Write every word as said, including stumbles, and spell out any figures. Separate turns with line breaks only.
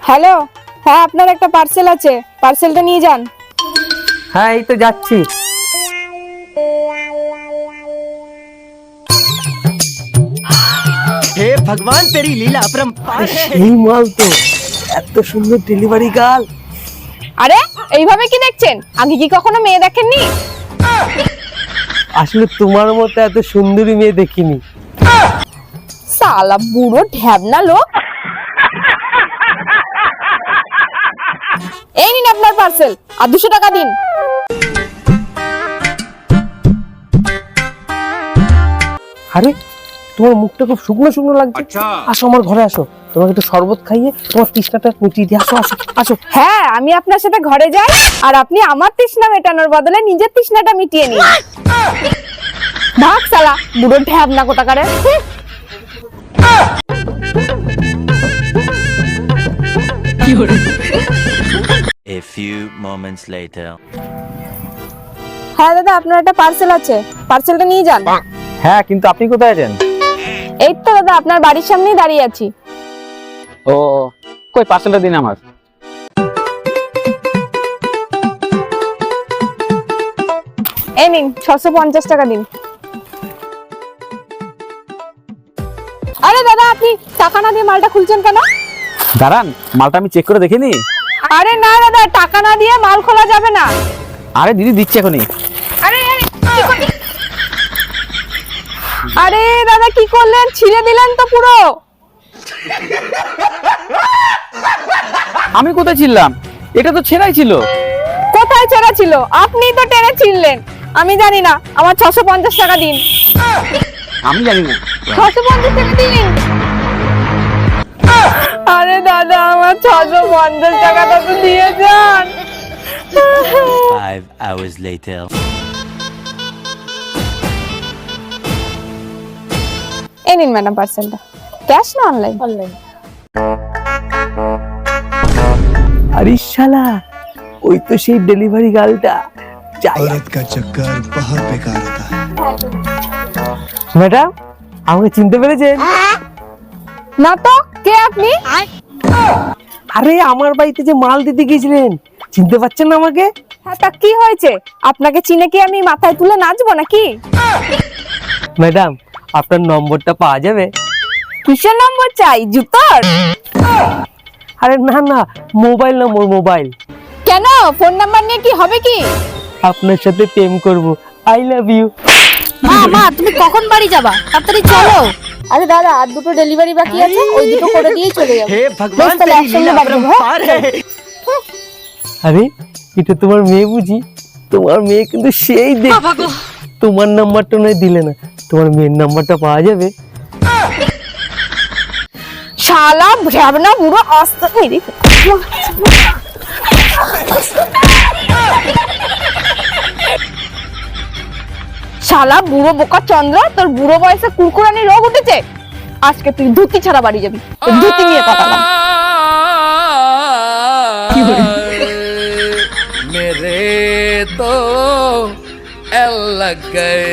Hello, হ্যাঁ আপনার একটা পার্সেল আছে, পার্সেলটা নিয়ে যান।
হ্যাঁ এই তো যাচ্ছি।
हे भगवान तेरी लीला अपरंपार है।
এই মাল তো এত সুন্দর ডেলিভারি গার্ল।
আরে এইভাবে কি দেখছেন? আগে কি কখনো মেয়ে দেখেননি?
আসলে তোমার মতো এত সুন্দরী মেয়ে দেখিনি।
সালা বুড়ো ঢ্যাবনা লোক। এই নিন আপনার পার্সেল, আর দুশো টাকা দিন।
আরে তোমার মুখটা খুব শুকনো শুকনো লাগছে। আসো আমার ঘরে আসো, তোমাকে একটু শরবত খাইয়ে তোমার তৃষ্ণাটা মিটিয়ে দিই। আসো আসো আসো।
হ্যাঁ, আমি আপনার সাথে ঘরে যাই, আর আপনি আমার তৃষ্ণা মেটানোর বদলে নিজের তৃষ্ণাটা মিটিয়ে নিন। ভাগ সালা বুড়ো ঢ্যাবনা কোটাকারে।
A few moments later.
হ্যাঁ দাদা, আপনার একটা পার্সেল আছে, পার্সেলটা নিয়ে যান।
হ্যাঁ, কিন্তু আপনি কোথায় আছেন?
এই তো দাদা আপনার বাড়ির সামনেই দাঁড়িয়ে আছি।
ও কই পার্সেলটা দিন আমার।
এই নিন ছশো পঞ্চাশ টাকা দিন। আরে দাদা, আপনি টাকা না দিয়ে মালটা খুলছেন কেন?
দাঁড়ান, মালটা আমি চেক করে দেখিনি।
আরে না দাদা, টাকা না দিয়ে মাল খোলা যাবে না।
আরে দিদি দিচ্ছি এখনই।
আরে আরে, কি করলি? আরে দাদা কি করলেন? ছিঁড়ে দিলেন তো পুরো।
আমি কোথায় ছিলাম? এটা তো ছেঁড়াই ছিল।
কোথায় ছেঁড়া ছিল? আপনিই তো টেনে ছিঁড়লেন। আমি জানি না, আমার ছশো পঞ্চাশ টাকা দিন।
আমি জানি না।
ছশো পঞ্চাশ টাকা দিন। আরে দাদা, আমার ছশো পঞ্চাশ টাকাটা তো দিয়ে যান।
Five hours later.
এই নিন ম্যাডাম পার্সেলটা। ক্যাশ না অনলাইন? অনলাইন।
আরে শালা, ওই তো সেই ডেলিভারি গার্লটা।
औरत का चक्कर बहुत बेकार होता है।
ম্যাডাম, আমাকে চিনতে পেরেছেন?
না তো, কে আপনি?
আরে আমার বাড়িতে যে মাল দিতে গিয়েছিলেন, চিনতে পারছেন না আমাকে?
হ্যাঁ, তা কি হয়েছে? আপনাকে চিনে কি আমি মাথায় তুলে নাচবো নাকি?
ম্যাডাম, আপনার নম্বরটা পাওয়া যাবে?
কিসের নম্বর চাই? জুতোর?
আরে না না, মোবাইল নম্বর, মোবাইল।
কেন, ফোন নাম্বার নিয়ে কি হবে কি?
আপনার সাথে প্রেম করব। I love you.
মা মা তুমি কখন বাড়ি যাবা? তাড়াতাড়ি চলো।
আরে দাদা, আর দুটো ডেলিভারি বাকি আছে, ওই দুটো করে দিয়েই চলে যাবো।
हे भगवान
তাহলে
तेरी
একসঙ্গে
लीला
বাড়ি যাবো, হ্যাঁ?
अपरंपार है।
আরে এটা তোমার মেয়ে বুঝি? তোমার মেয়ে কিন্তু সেই দেখ। তোমার নাম্বারটা নয় দিলে না, তোমার মেয়ের নাম্বারটা পাওয়া যাবে?
শালা ভ্যাবনা বুড়ো আস্তে মেরে। শালা বুড়ো বোকা চন্দ্র, তোর বুড়ো বয়সে কুরকুরানি রোগ উঠেছে। আজকে তুই ধুতি ছাড়া বাড়ি যাবি। তোর ধুতি নিয়ে পাঠালাম।
मेरे तो एल लग गए।